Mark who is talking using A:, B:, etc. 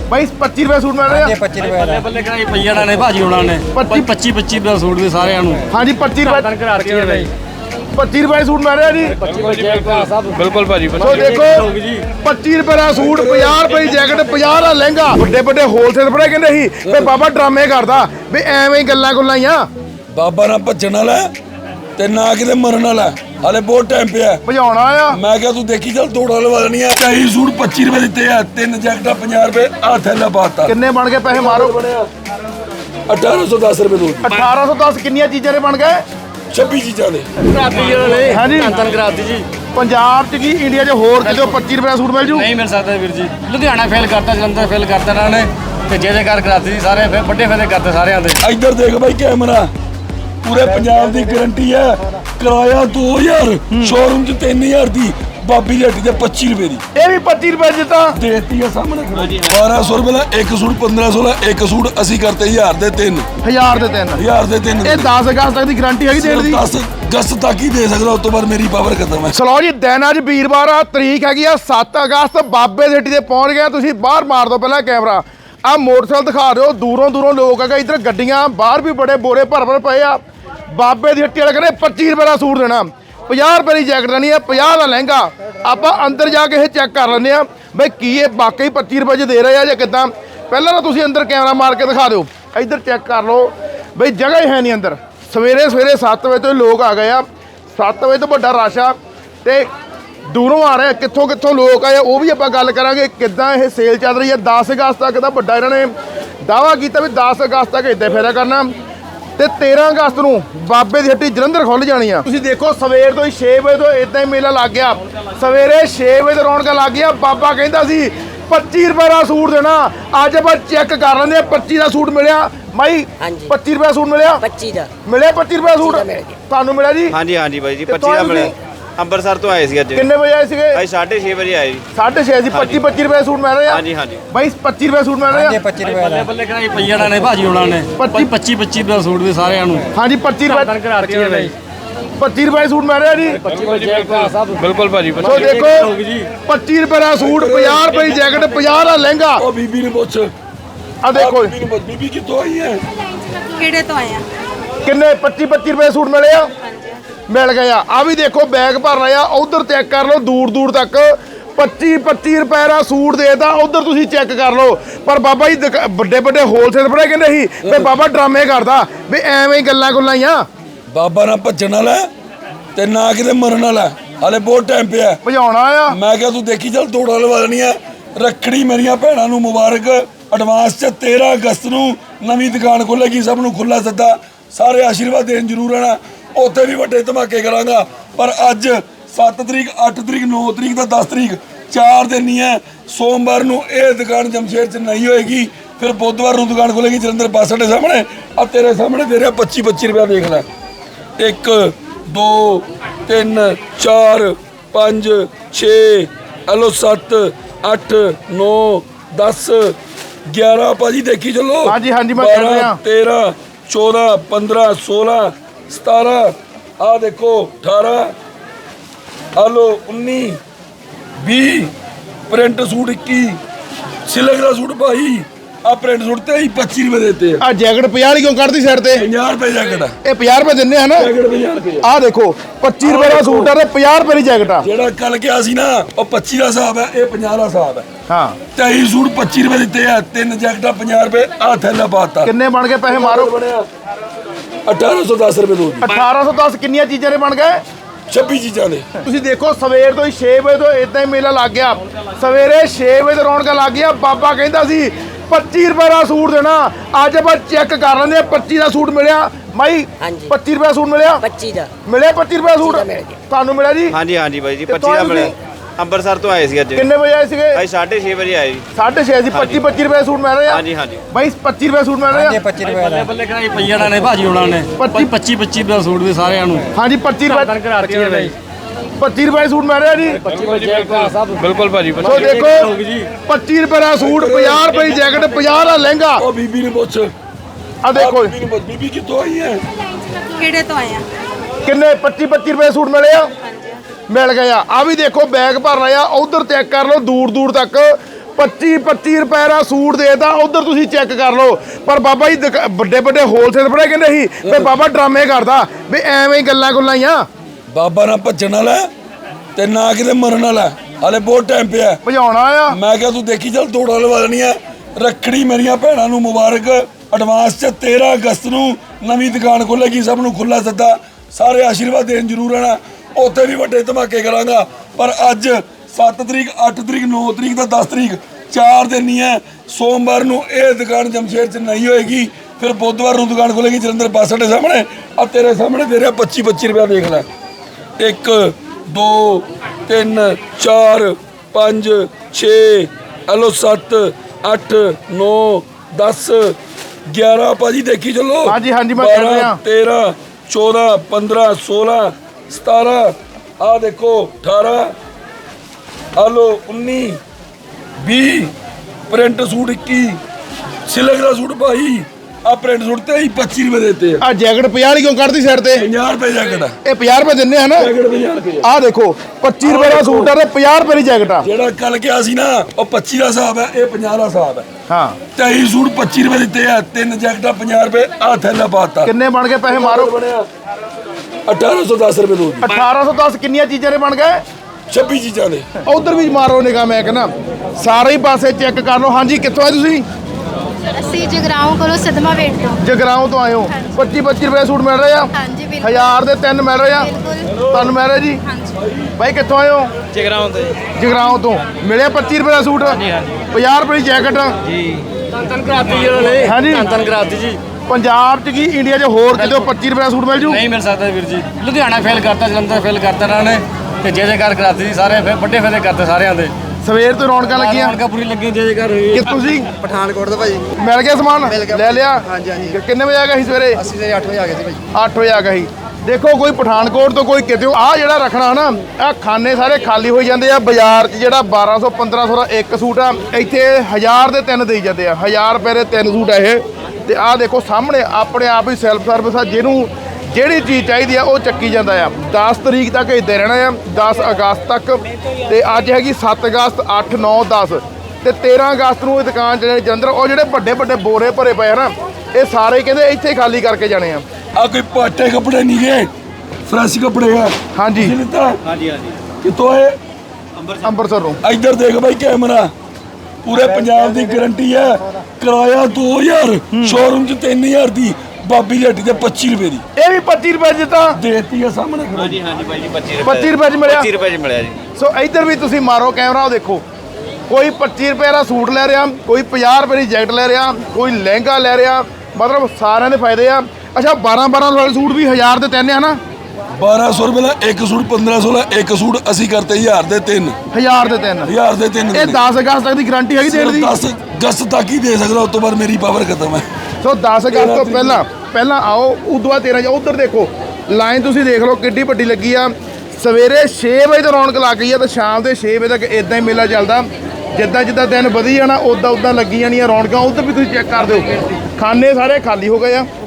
A: ਬਾਈ 25 ਰੁਪਏ ਸੂਟ ਮਿਲ ਰਿਹਾ
B: 25 ਰੁਪਏ ਬੱਲੇ ਕਰਾਈ ਪਈਆਂ ਨੇ ਭਾਜੀ ਉਹਨਾਂ ਨੇ 25 ਦਾ ਸੂਟ ਦੇ ਸਾਰਿਆਂ ਨੂੰ
A: ਹਾਂਜੀ 25 ਰੁਪਏ 25 ਰੁਪਏ ਸੂਟ ਮਿਲ ਰਿਹਾ ਜੀ
C: ਬਿਲਕੁਲ ਭਾਜੀ
A: ਸੋ ਦੇਖੋ 25 ਰੁਪਏ ਦਾ ਸੂਟ 50 ਰੁਪਏ ਦੀ ਜੈਕਟ 50 ਦਾ ਲਹਿੰਗਾ ਵੱਡੇ ਵੱਡੇ ਹੋਲਸੇਲ ਬੜੇ ਕਹਿੰਦੇ ਸੀ ਵੀ ਬਾਬਾ ਡਰਾਮੇ ਕਰਦਾ ਵੀ ਐਵੇਂ ਹੀ ਗੱਲਾਂ ਗੁੱਲਾਂ ਹੀ ਆ
D: ਬਾਬਾ ਨਾ ਭੱਜਣ ਵਾਲਾ ਤੇ ਨਾ ਕਿਤੇ ਮਰਨ ਵਾਲਾ ਹਾਲੇ ਬਹੁਤ ਟਾਈਮ ਪਿਆ
A: ਭਜਾਉਣਾ ਆ
D: ਮੈਂ ਕਿਹਾ ਤੂੰ ਦੇਖੀ ਚੱਲ ਤੋੜਾ ਲਵਾ ਦੇਣੀ ਆ ਕਈ ਸੂਟ 25 ਰੁਪਏ ਦਿੱਤੇ ਆ ਤਿੰਨ ਜੈਕਟਾਂ 50 ਰੁਪਏ ਆ ਥੈਲਾ ਪਾਤਾ
A: ਕਿੰਨੇ ਬਣ ਗਏ ਪੈਸੇ ਮਾਰੋ
D: 1810 ਰੁਪਏ ਦੋ
A: 1810 ਕਿੰਨੀਆਂ ਚੀਜ਼ਾਂ ਦੇ ਬਣ ਗਏ
D: 26 ਚੀਜ਼ਾਂ ਦੇ
B: ਕਰਾਤੀ ਜੀ
A: ਹਾਂਜੀ
B: ਧੰਨ ਕਰਾਤੀ ਜੀ
A: ਪੰਜਾਬ ਚ ਕੀ ਇੰਡੀਆ ਚ ਹੋਰ ਕਿਤੇ 25 ਰੁਪਏ ਦਾ ਸੂਟ ਮਿਲ ਜੂ
B: ਨਹੀਂ ਮਿਲ ਸਕਦਾ ਵੀਰ ਜੀ ਲੁਧਿਆਣਾ ਫੇਲ ਕਰਤਾ ਜਲੰਧਰ ਫੇਲ ਕਰਤਾ ਇਹਨਾਂ ਨੇ ਤੇ ਜਿਹਦੇ ਘਰ ਕਰਾਤੀ ਸੀ ਸਾਰੇ ਵੱਡੇ ਫਾਇਦੇ ਕਰਤੇ ਸਾਰਿਆਂ ਦੇ
D: ਇੱਧਰ ਦੇਖ ਬਾਈ ਕੈਮਰਾ ਪੂਰੇ ਪੰਜਾਬ ਦੀ ਗਾਰੰਟੀ ਹੈ ਕਿਰਾਇਆ 2000 ਸ਼ੋਰੂਮ ਚ 3000 ਦੀ ਬਾਬੀ ਦੀ ਹੱਟੀ ਤੇ 25 ਰੁਪਏ ਦੀ
A: ਇਹ ਵੀ 25 ਰੁਪਏ ਦਿੱਤਾ
D: ਦੇਤੀ ਆ ਸਾਹਮਣੇ 1200 ਰੁਪਏ ਦਾ ਇੱਕ ਸੂਟ 1500 ਦਾ ਇੱਕ ਸੂਟ ਅਸੀਂ ਕਰਤੇ 1000 ਦੇ 3
A: 1000 ਦੇ 3
D: 1000 ਦੇ 3
A: ਇਹ 10 ਅਗਸਤ ਤੱਕ ਦੀ ਗਾਰੰਟੀ ਹੈਗੀ ਦੇਣ ਦੀ
D: 10 ਅਗਸਤ ਤੱਕ ਹੀ ਦੇ ਸਕਦਾ ਉਸ ਤੋਂ ਬਾਅਦ ਮੇਰੀ ਪਾਵਰ ਖਤਮ ਹੈ
A: ਚਲੋ ਜੀ ਦਿਨ ਅੱਜ ਵੀਰਵਾਰ ਆ ਤਰੀਕ ਹੈਗੀ ਆ 7 ਅਗਸਤ ਬਾਬੇ ਦੀ ਹੱਟੀ ਤੇ ਪਹੁੰਚ ਗਏ ਤੁਸੀਂ ਬਾਹਰ ਮਾਰ ਦਿਓ ਪਹਿਲਾਂ ਕੈਮਰਾ ਆ ਮੋਟਰਸਾਈਕਲ ਦਿਖਾ ਦਿਓ ਦੂਰੋਂ ਲੋਕ ਹੈਗਾ ਇੱਧਰ ਗੱਡੀਆਂ ਬਾਹਰ ਵੀ ਬੜੇ ਬੋਰੇ ਭਰ ਪਏ ਆ ਬਾਬੇ ਦੀ ਹੱਟੀ ਵਾਲੇ ਕਹਿੰਦੇ 25 ਰੁਪਏ ਦਾ ਸੂਟ ਦੇਣਾ 50 ਰੁਪਏ ਦੀ ਜੈਕਟ ਦੇਣੀ ਹੈ 50 ਦਾ ਲਹਿੰਗਾ ਆਪਾਂ ਅੰਦਰ ਜਾ ਕੇ ਇਹ ਚੈੱਕ ਕਰ ਲੈਂਦੇ ਆ ਬਈ ਕੀ ਇਹ ਵਾਕਈ 25 ਰੁਪਏ 'ਚ ਦੇ ਰਹੇ ਆ ਜਾਂ ਕਿੱਦਾਂ ਪਹਿਲਾਂ ਤਾਂ ਤੁਸੀਂ ਅੰਦਰ ਕੈਮਰਾ ਮਾਰ ਕੇ ਦਿਖਾ ਦਿਓ ਇੱਧਰ ਚੈੱਕ ਕਰ ਲਓ ਬਈ ਜਗ੍ਹਾ ਹੀ ਹੈ ਨਹੀਂ ਅੰਦਰ ਸਵੇਰੇ 7 ਵਜੇ ਤੋਂ ਲੋਕ ਆ ਗਏ ਆ 7 ਵਜੇ ਤੋਂ ਵੱਡਾ ਰਸ਼ ਆ ਤੇ ਦੂਰੋਂ ਆ ਰਹੇ ਕਿੱਥੋਂ ਲੋਕ ਆਏ ਉਹ ਵੀ ਆਪਾਂ ਗੱਲ ਕਰਾਂਗੇ ਕਿੱਦਾਂ ਇਹ ਸੇਲ ਚੱਲ ਰਹੀ ਹੈ 10 ਅਗਸਤ ਤੱਕ ਦਾ ਵੱਡਾ ਇਹਨਾਂ ਨੇ ਦਾਅਵਾ ਕੀਤਾ ਵੀ 10 ਅਗਸਤ ਤੱਕ ਇੱਦਾਂ ਫੇਰਾ ਕਰਨਾ ਤੇ 13 ਅਗਸਤ ਨੂੰ ਬਾਬੇ ਦੀ ਹੱਟੀ ਜਲੰਧਰ ਖੁੱਲ ਜਾਣੀ ਆ ਤੁਸੀਂ ਦੇਖੋ ਸਵੇਰ ਤੋਂ ਹੀ 6 ਵਜੇ ਤੋਂ ਇਦਾਂ ਹੀ ਮੇਲਾ ਲੱਗ ਗਿਆ ਸਵੇਰੇ 6 ਵਜੇ ਤੋਂ ਰੌਣਕਾਂ ਲੱਗ ਗਿਆ ਬਾਬਾ ਕਹਿੰਦਾ ਸੀ 25 ਰੁਪਏ ਦਾ ਸੂਟ ਦੇਣਾ ਅੱਜ ਆਪਾਂ ਚੈੱਕ ਕਰ ਲੈਂਦੇ ਆ 25 ਦਾ ਸੂਟ ਮਿਲਿਆ ਮਾਈ 25 ਰੁਪਏ ਦਾ ਸੂਟ ਮਿਲਿਆ
E: 25 ਦਾ
A: ਮਿਲਿਆ 25 ਰੁਪਏ ਦਾ ਸੂਟ ਤੁਹਾਨੂੰ ਮਿਲਿਆ ਜੀ
C: ਹਾਂਜੀ ਬਾਈ ਜੀ 25 ਦਾ ਮਿਲਿਆ ਅੰਮ੍ਰਿਤਸਰ ਤੋਂ ਆਏ ਸੀ ਅੱਜ
A: ਕਿੰਨੇ ਵਜੇ ਆਏ ਸੀਗੇ
C: ਅਸੀਂ 6:30 ਵਜੇ ਆਏ ਜੀ
A: 6:30 ਸੀ 25 ਰੁਪਏ ਸੂਟ ਮਿਲ ਰਹੇ ਆ
C: ਹਾਂਜੀ
A: ਬਾਈ 25 ਰੁਪਏ ਸੂਟ ਮਿਲ ਰਹੇ ਆ
B: 25 ਰੁਪਏ ਬੱਲੇ ਕਰਾਈ ਪਈਆਂ ਨੇ ਭਾਜੀ ਉਹਨਾਂ ਨੇ 25 ਦਾ ਸੂਟ ਦੇ ਸਾਰਿਆਂ ਨੂੰ
A: ਹਾਂਜੀ 25 ਰੁਪਏ
B: ਧੰਨ ਕਰਾਤੀ ਜੀ
A: 25 ਰੁਪਏ ਸੂਟ ਮਿਲ ਰਿਹਾ ਜੀ
C: ਬਿਲਕੁਲ ਭਾਜੀ
A: ਸੋ ਦੇਖੋ 25 ਰੁਪਏ ਦਾ ਸੂਟ 50 ਰੁਪਏ ਦੀ ਜੈਕਟ 50 ਦਾ ਲਹਿੰਗਾ
D: ਉਹ ਬੀਬੀ ਨੂੰ ਪੁੱਛ
A: ਆ ਦੇਖੋ
D: ਬੀਬੀ ਨੂੰ ਪੁੱਛ ਬੀਬੀ ਕਿੱਥੋਂ ਆਈ ਹੈ
E: ਕਿਹੜੇ ਤੋਂ ਆਏ ਆ
A: ਕਿੰਨੇ 25 ਰੁਪਏ ਸੂਟ ਮਿਲੇ ਆ ਮਿਲ ਗਏ ਆ ਵੀ ਦੇਖੋ ਬੈਗ ਭਰ ਰਹੇ ਆ ਉਧਰ ਚੈੱਕ ਕਰ ਲਓ ਦੂਰ ਤੱਕ 25 ਰੁਪਏ ਦਾ ਸੂਟ ਦੇਦਾ ਉਧਰ ਤੁਸੀਂ ਚੈੱਕ ਕਰ ਲਓ ਪਰ ਬਾਬਾ ਜੀ ਵੱਡੇ ਹੋਲਸੇਲ ਬੜੇ ਕਹਿੰਦੇ ਸੀ ਵੀ ਬਾਬਾ ਡਰਾਮੇ ਕਰਦਾ ਵੀ ਐਵੇਂ ਹੀ ਗੱਲਾਂ ਗੁੱਲਾਂ ਹੀ ਆ
D: ਬਾਬਾ ਨਾ ਭੱਜਣ ਵਾਲਾ ਤੇ ਨਾ ਕਿਤੇ ਮਰਨ ਵਾਲਾ ਹਾਲੇ ਬਹੁਤ ਟਾਈਮ ਪਿਆ
A: ਭਜਾਉਣਾ ਆ
D: ਮੈਂ ਕਿਹਾ ਤੂੰ ਦੇਖੀ ਚੱਲ ਤੋੜਾ ਲਵਾ ਦੇਣੀ ਆ ਰੱਖੜੀ ਮੇਰੀਆਂ ਭੈਣਾਂ ਨੂੰ ਮੁਬਾਰਕ ਐਡਵਾਂਸ ਚ 13 ਅਗਸਤ ਨੂੰ ਨਵੀਂ ਦੁਕਾਨ ਖੁੱਲੇਗੀ ਸਭ ਨੂੰ ਖੁੱਲਾ ਸੱਦਾ ਸਾਰੇ ਆਸ਼ੀਰਵਾਦ ਦੇਣ ਜ਼ਰੂਰ ਆਣਾ ਉੱਥੇ ਵੀ ਵੱਡੇ ਧਮਾਕੇ ਕਰਾਂਗਾ ਪਰ ਅੱਜ 7 ਤਰੀਕ 8 ਤਰੀਕ 9 ਤਰੀਕ ਦਾ 10 ਤਰੀਕ 4 ਦਿਨ ਹੀ ਹੈ ਸੋਮਵਾਰ ਨੂੰ ਇਹ ਦੁਕਾਨ ਜਮਸ਼ੇਰ ਚ ਨਹੀਂ ਹੋਏਗੀ ਫਿਰ ਬੁੱਧਵਾਰ ਨੂੰ ਦੁਕਾਨ ਖੁੱਲੇਗੀ ਜਲੰਧਰ ਬੱਸ ਅੱਡੇ ਸਾਹਮਣੇ ਆ ਤੇਰੇ ਸਾਹਮਣੇ ਦੇ ਰਿਹਾ 25 ਰੁਪਏ ਦੇਖ ਲੈ 1 2 3 4 5 6 ਹਲੋ 7 8 9 10 11 ਭਾਜੀ ਦੇਖੀ ਚੱਲੋ
A: ਹਾਂਜੀ ਮੈਂ ਕਰ ਰਿਹਾ
D: 13 14 15 16 17 ਆ ਦੇਖੋ 18 ਹਲੋ 19 20 ਪ੍ਰਿੰਟ ਸੂਟ 21 ਸਿਲਕ ਦਾ ਸੂਟ ਭਾਈ ਆ ਪ੍ਰਿੰਟ ਸੂਟ ਤੇ 25 ਰੁਪਏ ਦਿੱਤੇ
A: ਆ ਜੈਕਟ 50 ਵਾਲੀ ਕਿਉਂ ਕੱਢਦੀ ਸਾਈਡ ਤੇ
D: 50 ਰੁਪਏ ਜੈਕਟ
A: ਇਹ 50 ਰੁਪਏ ਦਿੰਨੇ ਹਨ
D: ਜੈਕਟ 50 ਰੁਪਏ
A: ਆ ਦੇਖੋ 25 ਰੁਪਏ ਦਾ ਸੂਟ ਆ ਤੇ 50 ਰੁਪਏ ਦੀ ਜੈਕਟ ਆ
D: ਜਿਹੜਾ ਕੱਲ ਕਿਹਾ ਸੀ ਨਾ ਉਹ 25 ਦਾ ਹਿਸਾਬ ਹੈ ਇਹ 50 ਦਾ ਹਿਸਾਬ ਹੈ
A: ਹਾਂ
D: 23 ਸੂਟ 25 ਰੁਪਏ ਦਿੱਤੇ ਆ ਤਿੰਨ ਜੈਕਟਾਂ 50 ਰੁਪਏ ਆ ਥੈਲਾ ਪਾਤਾ
A: ਕਿੰਨੇ ਬਣ ਗਏ ਪੈਸੇ ਮਾਰੋ
D: 1810 ਰੁਪਏ ਦੋ
A: 1810 ਕਿੰਨੀਆਂ ਚੀਜ਼ਾਂ ਦੇ ਬਣ ਗਏ
D: 26 ਚੀਜ਼ਾਂ ਦੇ
A: ਤੁਸੀਂ ਦੇਖੋ ਸਵੇਰ ਤੋਂ ਹੀ 6 ਵਜੇ ਤੋਂ ਇਦਾਂ ਹੀ ਮੇਲਾ ਲੱਗ ਗਿਆ ਸਵੇਰੇ 6 ਵਜੇ ਤੋਂ ਰੌਣਕਾਂ ਲੱਗ ਗਿਆ ਬਾਬਾ ਕਹਿੰਦਾ ਸੀ 25 ਰੁਪਏ ਦਾ ਸੂਟ ਦੇਣਾ ਅੱਜ ਆਪਾਂ ਚੈੱਕ ਕਰ ਲੈਂਦੇ ਆ 25 ਦਾ ਸੂਟ ਮਿਲਿਆ ਮਾਈ 25 ਰੁਪਏ ਦਾ ਸੂਟ ਮਿਲਿਆ
E: 25 ਦਾ
A: ਮਿਲਿਆ 25 ਰੁਪਏ ਦਾ ਸੂਟ ਤੁਹਾਨੂੰ ਮਿਲਿਆ ਜੀ
C: ਹਾਂਜੀ ਬਾਈ ਜੀ 25 ਦਾ ਮਿਲਿਆ ਅੰਮ੍ਰਿਤਸਰ ਤੋਂ ਆਏ ਸੀ ਅੱਜ
A: ਕਿੰਨੇ ਵਜੇ ਆਏ ਸੀਗੇ
C: ਅਸੀਂ 6:30 ਵਜੇ ਆਏ ਜੀ
A: 6:30 ਸੀ 25 ਰੁਪਏ ਸੂਟ ਮਿਲ ਰਹੇ ਆ
C: ਹਾਂਜੀ
A: ਬਾਈ 25 ਰੁਪਏ ਸੂਟ ਮਿਲ ਰਹੇ ਆ
B: 25 ਰੁਪਏ ਬੱਲੇ ਕਰਾਈ ਪਈਆਂ ਨੇ ਭਾਜੀ ਉਹਨਾਂ ਨੇ 25 ਦਾ ਸੂਟ ਦੇ ਸਾਰਿਆਂ ਨੂੰ
A: ਹਾਂਜੀ 25 ਰੁਪਏ
B: ਧੰਨ ਕਰਾਤੀ ਜੀ
A: 25 ਰੁਪਏ ਸੂਟ ਮਿਲ ਰਿਹਾ ਜੀ
C: ਬਿਲਕੁਲ ਭਾਜੀ
A: ਸੋ ਦੇਖੋ 25 ਰੁਪਏ ਦਾ ਸੂਟ 50 ਰੁਪਏ ਦੀ ਜੈਕਟ 50 ਦਾ ਲਹਿੰਗਾ
D: ਉਹ ਬੀਬੀ ਨੂੰ ਪੁੱਛ
A: ਆ ਦੇਖੋ
D: ਬੀਬੀ ਨੂੰ ਪੁੱਛ ਬੀਬੀ ਕਿੱਥੋਂ ਆਈ ਹੈ
E: ਕਿਹੜੇ ਤੋਂ ਆਏ ਆ
A: ਕਿੰਨੇ 25 ਰੁਪਏ ਸੂਟ ਮਿਲੇ ਆ ਮਿਲ ਗਏ ਆ ਵੀ ਦੇਖੋ ਬੈਗ ਭਰ ਰਹੇ ਆ ਉਧਰ ਚੈੱਕ ਕਰ ਲਓ ਦੂਰ ਤੱਕ 25 ਰੁਪਏ ਦਾ ਸੂਟ ਦੇਦਾ। ਉਧਰ ਤੁਸੀਂ ਚੈੱਕ ਕਰ ਲਓ। ਪਰ ਬਾਬਾ ਜੀ ਵੱਡੇ ਵੱਡੇ ਹੋਲਸੇਲ ਬੜੇ ਕਹਿੰਦੇ ਸੀ ਵੀ ਬਾਬਾ ਡਰਾਮੇ ਕਰਦਾ, ਵੀ ਐਵੇਂ ਹੀ ਗੱਲਾਂ ਗੁੱਲਾਂ ਹੀ ਆ।
D: ਬਾਬਾ ਨਾ ਭੱਜਣ ਵਾਲਾ ਤੇ ਨਾ ਕਿਤੇ ਮਰਨ ਵਾਲਾ, ਹਾਲੇ ਬਹੁਤ ਟਾਈਮ ਪਿਆ
A: ਭਜਾਉਣਾ ਆ।
D: ਮੈਂ ਕਿਹਾ ਤੂੰ ਦੇਖੀ ਚੱਲ ਦੌੜਾਂ ਲਵਾ ਦੇਣੀਆਂ। ਰੱਖੜੀ ਮੇਰੀਆਂ ਭੈਣਾਂ ਨੂੰ ਮੁਬਾਰਕ। ਐਡਵਾਂਸ 'ਚ 13 ਅਗਸਤ ਨੂੰ ਨਵੀਂ ਦੁਕਾਨ ਖੁੱਲੇਗੀ, ਸਭ ਨੂੰ ਖੁੱਲਾ ਸੱਦਾ। ਸਾਰੇ ਆਸ਼ੀਰਵਾਦ ਦੇਣ ਜ਼ਰੂਰ ਆਣਾ। ਉੱਥੇ ਵੀ ਵੱਡੇ ਧਮਾਕੇ ਕਰਾਂਗਾ। ਪਰ ਅੱਜ 7 ਤਰੀਕ 8 ਤਰੀਕ 9 ਤਰੀਕ ਦਾ 10 ਤਰੀਕ 4 ਦਿਨ ਹੀ ਹੈ। ਸੋਮਵਾਰ ਨੂੰ ਇਹ ਦੁਕਾਨ ਜਮਸ਼ੇਰ 'ਚ ਨਹੀਂ ਹੋਏਗੀ, ਫਿਰ ਬੁੱਧਵਾਰ ਨੂੰ ਦੁਕਾਨ ਖੁੱਲੇਗੀ ਜਲੰਧਰ ਬੱਸ ਅੱਡੇ ਸਾਹਮਣੇ। ਆ ਤੇਰੇ ਸਾਹਮਣੇ ਦੇ ਰਿਹਾ 25 ਰੁਪਇਆ ਦੇਖ ਲੈ। 1 2 3 4 5 6 ਹਲੋ 7 8 9 10 11 ਭਾਜੀ ਦੇਖੀ ਚੱਲੋ।
A: ਹਾਂਜੀ, ਹਾਂਜੀ, ਮੈਂ ਕਰ ਰਿਹਾ।
D: 13 14 15 16 17 ਆ ਦੇਖੋ 18 ਹਲੋ 19 20 ਪ੍ਰਿੰਟ ਸੂਟ 21 ਸਿਲਕ ਦਾ ਸੂਟ ਭਾਈ ਆ ਪ੍ਰਿੰਟ ਸੂਟ ਤੇ ਹੀ 25 ਰੁਪਏ ਦੇਤੇ ਆ।
A: ਆ ਜੈਕਟ 50 ਵਾਲੀ ਕਿਉਂ ਕੱਢਦੀ ਸਾਈਡ ਤੇ?
D: 50 ਰੁਪਏ ਜੈਕਟ ਆ।
A: ਇਹ 50 ਰੁਪਏ ਦਿੰਨੇ ਆ ਨਾ।
D: ਜੈਕਟ 50 ਰੁਪਏ
A: ਆ ਦੇਖੋ 25 ਰੁਪਏ ਦਾ ਸੂਟ ਆ ਤੇ 50 ਰੁਪਏ ਦੀ ਜੈਕਟ ਆ।
D: ਜਿਹੜਾ ਕੱਲ ਕਿਹਾ ਸੀ ਨਾ ਉਹ 25 ਦਾ ਹਿਸਾਬ ਹੈ, ਇਹ 50 ਦਾ ਹਿਸਾਬ ਹੈ।
A: ਹਾਂ,
D: 23 ਸੂਟ 25 ਰੁਪਏ ਦਿੱਤੇ ਆ। 3 ਜੈਕਟਾਂ 50 ਰੁਪਏ ਆ ਥੈਲਾ ਪਾਤਾ।
A: ਕਿੰਨੇ ਬਣ ਗਏ ਪੈਸੇ ਮਾਰੋ?
D: ਬਣਿਆ 1810 ਰੁਪਏ ਦੋ
A: 1810 ਕਿੰਨੀਆਂ ਚੀਜ਼ਾਂ ਦੇ ਬਣ ਗਏ?
D: 26 ਚੀਜ਼ਾਂ ਦੇ।
A: ਉਧਰ ਵੀ ਮਾਰੋ ਨਿਗਾਹ, ਮੈਂ ਕਹਿੰਦਾ ਸਾਰੇ ਹੀ ਪਾਸੇ ਚੈੱਕ ਕਰ ਲਓ। ਹਾਂਜੀ, ਕਿੱਥੋਂ ਆਏ ਤੁਸੀਂ?
F: ਅਸੀਂ ਜਗਰਾਉਂ ਕੋਲੋਂ ਸਦਮਾ ਵੇਟ ਤੋਂ।
A: ਜਗਰਾਉਂ ਤੋਂ ਆਏ ਹੋ। 25 ਰੁਪਏ ਸੂਟ ਮਿਲ ਰਹੇ ਆ।
F: ਹਾਂਜੀ ਬਿਲਕੁਲ
A: 1000 ਦੇ 3 ਮਿਲ ਰਹੇ ਆ।
F: ਬਿਲਕੁਲ।
A: ਤੁਹਾਨੂੰ ਮਿਲ ਰਹੇ ਜੀ?
F: ਹਾਂਜੀ
A: ਭਾਈ ਕਿੱਥੋਂ ਆਏ ਹੋ?
C: ਜਗਰਾਉਂ ਤੋਂ
A: ਜਗਰਾਉਂ ਤੋਂ। ਮਿਲਿਆ 25 ਰੁਪਏ ਦਾ ਸੂਟ? 50 ਰੁਪਏ ਦੀ ਜੈਕਟ
B: ਜੀ ਧੰਨ ਕਰਾਤੀ ਜੀ ਉਹਨਾਂ ਨੇ।
A: ਹਾਂਜੀ।
B: ਧੰਨ ਕਰਾਤੀ ਜੀ।
A: ਪੰਜਾਬ 'ਚ ਕੀ ਇੰਡੀਆ 'ਚ ਹੋਰ ਕਿਤੇ 25 ਰੁਪਏ ਦਾ ਸੂਟ ਮਿਲ ਜੂ?
B: ਨਹੀਂ ਮਿਲ ਸਕਦਾ ਵੀਰ ਜੀ। ਲੁਧਿਆਣਾ ਫੇਲ ਕਰਤਾ, ਜਲੰਧਰ ਫੇਲ ਕਰਤਾ ਇਹਨਾਂ ਨੇ ਤੇ ਜੇਜੇਕਾਰ ਕਰਾਤੀ ਜੀ ਸਾਰੇ। ਫਿਰ ਵੱਡੇ ਫੇਲੇ ਕਰਤੇ ਸਾਰਿਆਂ ਦੇ।
A: ਸਵੇਰ ਤੋਂ ਰੌਣਕਾਂ ਲੱਗੀਆਂ।
B: ਰੌਣਕਾਂ ਪੂਰੀ ਲੱਗੀ ਜੇਜੇਕਾਰ ਹੋਈ।
A: ਕਿ ਤੁਸੀਂ
G: ਪਠਾਨਕੋਟ ਤੋਂ ਭਾਜੀ
A: ਮਿਲ ਗਿਆ ਸਮਾਨ? ਲੈ ਲਿਆ?
G: ਹਾਂਜੀ, ਹਾਂਜੀ।
A: ਕਿੰਨੇ ਵਜੇ ਆ ਗਿਆ ਸੀ ਸਵੇਰੇ?
G: ਅਸੀਂ ਤੇ 8 ਵਜੇ ਆ ਗਏ ਸੀ ਭਾਜੀ।
A: 8 ਵਜੇ ਆ ਗਿਆ ਸੀ। ਦੇਖੋ ਕੋਈ ਪਠਾਨਕੋਟ ਤੋਂ ਕੋਈ ਕਿਤੇ ਆ ਜਿਹੜਾ ਰੱਖਣਾ ਨਾ, ਆ ਖਾਨੇ ਸਾਰੇ ਖਾਲੀ ਹੋਈ ਜਾਂਦੇ ਆ। ਬਾਜ਼ਾਰ 'ਚ ਜਿਹੜਾ 1200 1500 ਦਾ ਇੱਕ ਸੂਟ ਆ, ਇੱਥੇ 1000 ਦੇ 3 ਦੇਈ ਜਾਂਦੇ ਆ। 1000 ਰੁਪਏ ਦੇ 3 ਸੂਟ ਆ ਇਹ। ਤੇ ਆਹ ਦੇਖੋ ਸਾਹਮਣੇ ਆਪਣੇ ਆਪ ਹੀ ਸੈਲਫ ਸਰਵਿਸ ਆ। ਜਿਹਨੂੰ ਜਿਹੜੀ ਚੀਜ਼ ਚਾਹੀਦੀ ਆ ਉਹ ਚੱਕੀ ਜਾਂਦਾ ਆ। 10 ਤਰੀਕ ਤੱਕ ਇੱਦਾਂ ਰਹਿਣਾ ਆ, 10 ਅਗਸਤ ਤੱਕ। ਤੇ ਅੱਜ ਹੈਗੀ 7 ਅਗਸਤ 8 9 10 ਤੇ 13 ਅਗਸਤ ਨੂੰ ਇਹ ਦੁਕਾਨ ਚ ਜਲੰਧਰ। ਉਹ ਜਿਹੜੇ ਵੱਡੇ ਵੱਡੇ ਬੋਰੇ ਭਰੇ ਪਏ ਆ ਨਾ, ਇਹ ਸਾਰੇ ਕਹਿੰਦੇ ਇੱਥੇ ਖਾਲੀ ਕਰਕੇ ਜਾਣੇ ਆ।
D: ਆ ਕੋਈ ਪਾਟੇ ਕੱਪੜੇ ਨਹੀਂ ਗਏ, ਫਰੈਸ਼ ਕੱਪੜੇ ਆ।
A: ਹਾਂਜੀ,
C: ਹਾਂਜੀ ਹਾਂਜੀ।
D: ਕਿਤੋਂ ਆਏ?
A: ਅੰਮ੍ਰਿਤਸਰ ਨੂੰ।
D: ਇੱਧਰ ਦੇਖ ਬਾਈ ਕੈਮਰਾ, ਪੂਰੇ ਪੰਜਾਬ ਦੀ ਗਾਰੰਟੀ ਹੈ। ਕਿਰਾਇਆ 2000, ਸ਼ੋਰੂਮ 'ਚ 3000 ਦੀ, ਬਾਬੀ ਦੀ ਹੱਟੀ ਤੇ 25 ਰੁਪਏ ਦੀ
A: ਇਹ ਵੀ 25 ਰੁਪਏ ਦਿੱਤਾ।
D: ਦੇਤੀ ਆ ਸਾਹਮਣੇ ਖੜਾ।
C: ਹਾਂਜੀ ਹਾਂਜੀ ਭਾਈ ਜੀ 25
A: 25 ਰੁਪਏ 'ਚ ਮਿਲਿਆ।
C: 25 ਰੁਪਏ 'ਚ ਮਿਲਿਆ ਜੀ।
A: ਸੋ ਇੱਧਰ ਵੀ ਤੁਸੀਂ ਮਾਰੋ ਕੈਮਰਾ, ਉਹ ਦੇਖੋ ਕੋਈ 25 ਰੁਪਏ ਦਾ ਸੂਟ ਲੈ ਰਿਹਾ, ਕੋਈ 50 ਰੁਪਏ ਦੀ ਜੈਕਟ ਲੈ ਰਿਹਾ, ਕੋਈ ਲਹਿੰਗਾ ਲੈ ਰਿਹਾ। ਮਤਲਬ ਸਾਰਿਆਂ ਦੇ ਫਾਇਦੇ ਆ। ਅੱਛਾ 12 ਵਾਲੇ ਸੂਟ ਵੀ 1000 ਦੇ 3 ਆ ਨਾ?
D: 1200 ਰੁਪਏ ਦਾ ਇੱਕ ਸੂਟ, 1500 ਦਾ ਇੱਕ ਸੂਟ। ਅਸੀਂ ਕਰਤੇ 1000 ਦੇ 3।
A: 1000 ਦੇ 3।
D: 1000 ਦੇ 3
A: ਇਹ 10 ਅਗਸਤ ਤੱਕ ਦੀ ਗਾਰੰਟੀ ਹੈਗੀ ਦੇਣ ਦੀ।
D: 10 ਅਗਸਤ ਤੱਕ ਹੀ ਦੇ ਸਕਦਾ, ਉਸ ਤੋਂ ਬਾਅਦ ਮੇਰੀ ਪਾਵਰ ਖਤਮ ਹੈ।
A: ਸੋ 10 ਅਗਸਤ ਤੋਂ ਪਹਿਲਾਂ ਆਓ। ਉਦੋਂ ਬਾਅਦ 13 ਉਧਰ ਦੇਖੋ ਲਾਈਨ ਤੁਸੀਂ ਦੇਖ ਲਓ ਕਿੱਡੀ ਵੱਡੀ ਲੱਗੀ ਆ। ਸਵੇਰੇ 6 ਵਜੇ ਤੋਂ ਰੌਣਕ ਲੱਗ ਗਈ ਆ ਤੇ ਸ਼ਾਮ ਦੇ 6 ਵਜੇ ਤੱਕ ਇਦਾਂ ਹੀ ਮੇਲਾ ਚੱਲਦਾ। ਜਿੱਦਾਂ ਜਿੱਦਾਂ ਦਿਨ ਵਧੀ ਜਾਣਾ ਉਦਾਂ ਲੱਗੀ ਜਾਣੀਆਂ ਰੌਣਕਾਂ। ਉਧਰ ਵੀ ਤੁਸੀਂ ਚੈੱਕ ਕਰ ਦਿਓ, ਖਾਨੇ ਸਾਰੇ ਖਾਲੀ ਹੋ ਗਏ ਆ।